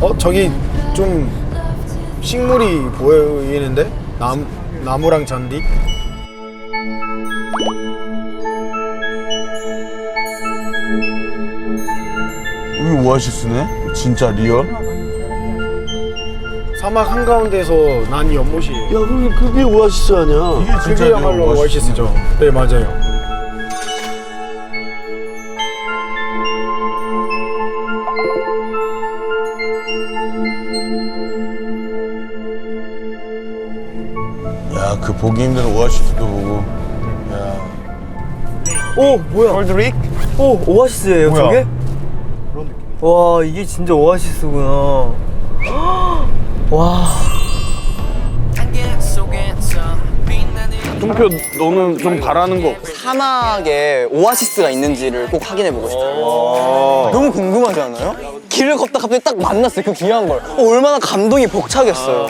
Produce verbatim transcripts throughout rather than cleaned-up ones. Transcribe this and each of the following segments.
어 저기 좀 식물이 보이는데? 남, 나무랑 잔디? 여기 오아시스네? 진짜 리얼? 사막 한가운데서 난 연못이에요. 야, 그게, 그게 오아시스 아니야? 이게 진짜 그게야말로 리얼 오아시스죠. 네, 맞아요. 야, 그 보기 힘든 오아시스도 보고. 야. 오 뭐야? 콜드릭? 오 오아시스예요 뭐야? 저게? 와 이게 진짜 오아시스구나. 와. 통표 너는 좀 바라는 거 없어? 사막에 오아시스가 있는지를 꼭 확인해보고 싶어요. 너무 궁금하지 않아요? 길을 걷다 갑자기 딱 만났어요, 그 귀한 걸. 어, 얼마나 감동이 벅차겠어요.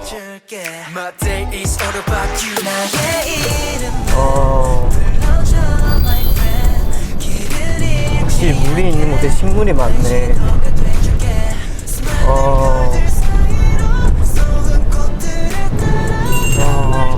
어. 확실히 물이 있는 곳에 식물이 많네. 어. 와.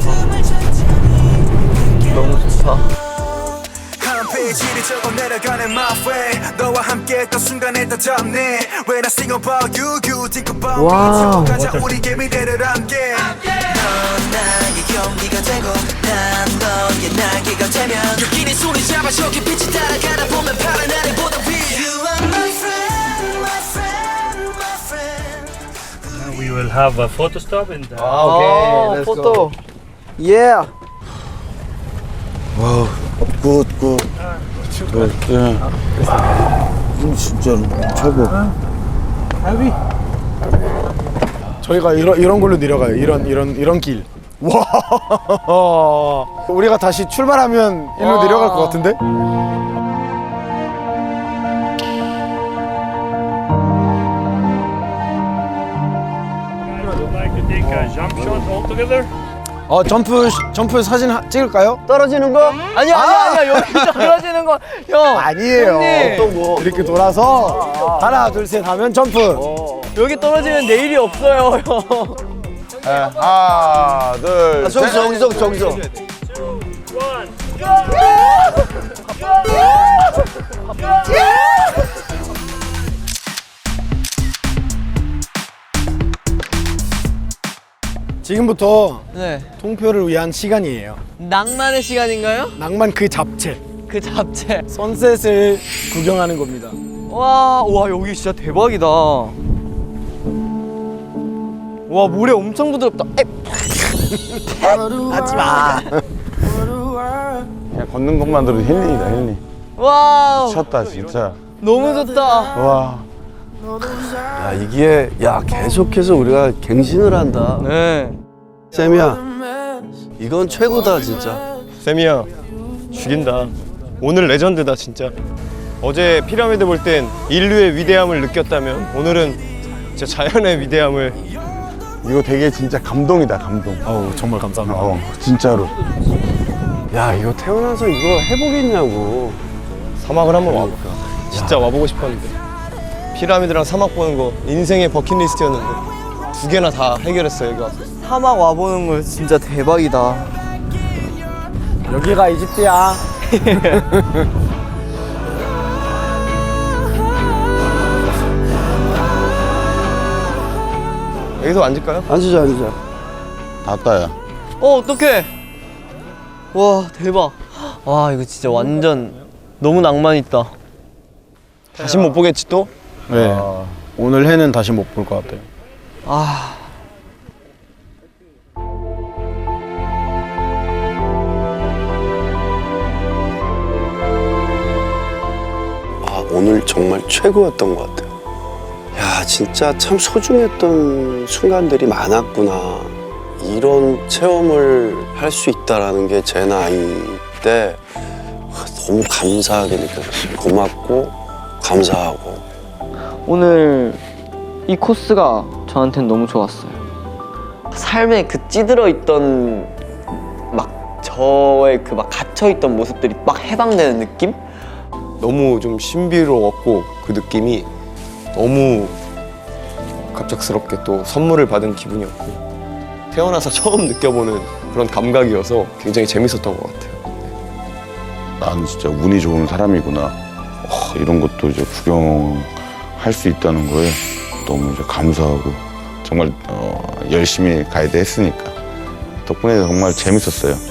너무 좋다. 한 페이지를 적어 내려가는 my way 너와 함께 했던 순간에 더 잡네 When I sing about you, you think about 와우. me 가자 우리 개미들을 함께 넌 나의 경기가 되고 난 너의 날개가 되면 여기는 손이 잡아 저기 빛이 따라가다 보면 파란 하늘보다 위 You are my friend, my friend, my friend We will have a photo stop in the... 아, 포토. 예. 와우, 굿, 굿. 굿, 예. 음, 진짜로 최고. 저희가 이런, 이런 걸로 내려가요. 이런, 이런, 이런 길. 와. 우리가 다시 출발하면 일로 내려갈 것 같은데? Would like to take a jump shot all together? 어, 점프, 점프 사진 하- 찍을까요? 떨어지는 거? 아니야, 아니야, 아니야. 여기 떨어지는 거. 형. 아니에요. 형님. 또 뭐. 이렇게 돌아서 하나, 둘, 셋 하면 점프. 여기 떨어지면 내일이 없어요, 형. 네, 하나, 둘, 아, 저기서, 저기서, 저기서. One. 지금부터 네. 통표를 위한 시간이에요. 낭만의 시간인가요? 낭만 그 잡채. 그 잡채. 선셋을 구경하는 겁니다. 와, 와 여기 진짜 대박이다. 와 모래 엄청 부드럽다. 에. 하지 마. 그냥 걷는 것만으로도 힐링이다, 힐링. 와우. 미쳤다, 진짜. 너무 좋다. 와. 야, 이게, 야, 계속해서 우리가 갱신을 한다. 네. 쌤이야, 이건 최고다, 진짜. 쌤이야 죽인다. 오늘 레전드다 진짜. 어제 피라미드 볼 땐 인류의 위대함을 느꼈다면 오늘은 진짜 자연의 위대함을. 이거 되게 진짜 감동이다, 감동. 어우, 정말 감사합니다. 어, 진짜로. 야, 이거 태어나서 이거 해보겠냐고. 사막을 한번 와볼까. 진짜 와보고 싶었는데 피라미드랑 사막 보는 거 인생의 버킷리스트였는데 두 개나 다 해결했어 여기 와서. 사막 와보는 거 진짜 대박이다. 여기가 이집트야. 여기서 앉을까요? 앉으자, 앉으자. 다 야. 어 어떡해. 와 대박. 와 이거 진짜 완전 너무 낭만 있다. 다시 못 보겠지 또? 네. 오늘 해는 다시 못 볼 것 같아요. 아. 아, 오늘 정말 최고였던 것 같아요. 야, 진짜 참 소중했던 순간들이 많았구나. 이런 체험을 할 수 있다라는 게 제 나이 때 너무 감사하게 느껴졌어요. 고맙고 감사하고. 오늘 이 코스가 저한테는 너무 좋았어요. 삶에 그 찌들어 있던 막 저의 그 막 갇혀 있던 모습들이 막 해방되는 느낌? 너무 좀 신비로웠고 그 느낌이 너무 갑작스럽게 또 선물을 받은 기분이었고 태어나서 처음 느껴보는 그런 감각이어서 굉장히 재밌었던 것 같아요. 나는 진짜 운이 좋은 사람이구나. 어, 이런 것도 이제 구경할 수 있다는 거에 너무 이제 감사하고 정말 어, 열심히 가이드 했으니까 덕분에 정말 재밌었어요.